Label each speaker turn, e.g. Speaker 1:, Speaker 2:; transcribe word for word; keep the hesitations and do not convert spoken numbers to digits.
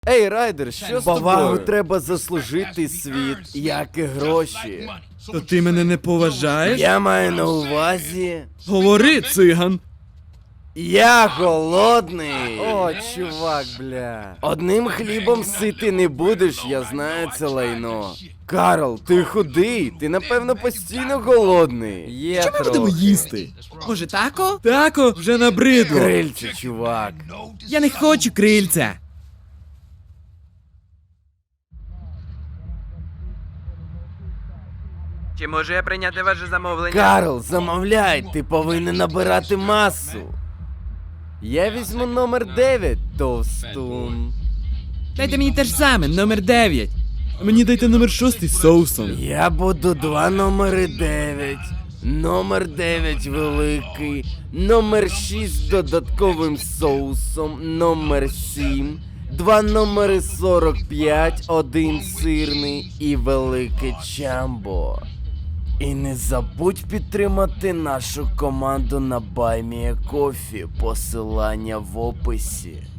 Speaker 1: Ей, Райдер, що з
Speaker 2: Повагу
Speaker 1: тобою?
Speaker 2: треба заслужити, світ, як і гроші.
Speaker 3: То ти мене не поважаєш?
Speaker 2: Я маю на увазі.
Speaker 3: Говори, циган.
Speaker 2: Я голодний.
Speaker 1: О, чувак, бля.
Speaker 2: Одним хлібом сити не будеш, я знаю це лайно. Карл, ти худий, ти напевно постійно голодний.
Speaker 1: Є
Speaker 3: Що ми будемо
Speaker 1: трохи.
Speaker 3: їсти? Може, тако? Тако вже набридло.
Speaker 2: Крильце, чувак.
Speaker 3: Я не хочу крильця.
Speaker 4: Чи можу я прийняти ваше замовлення?
Speaker 2: Карл, замовляй, ти повинен набирати масу.
Speaker 1: Я візьму номер дев'ять, товстун.
Speaker 3: Дайте мені те ж саме, номер дев'ять. А мені дайте номер шостий з соусом.
Speaker 2: Я буду два номери дев'ять. Номер дев'ять великий, номер шість з додатковим соусом, номер сім, два номери сорок п'ять, один сирний і велике чамбо. І не забудь підтримати нашу команду на Buy Me a Coffee, посилання в описі.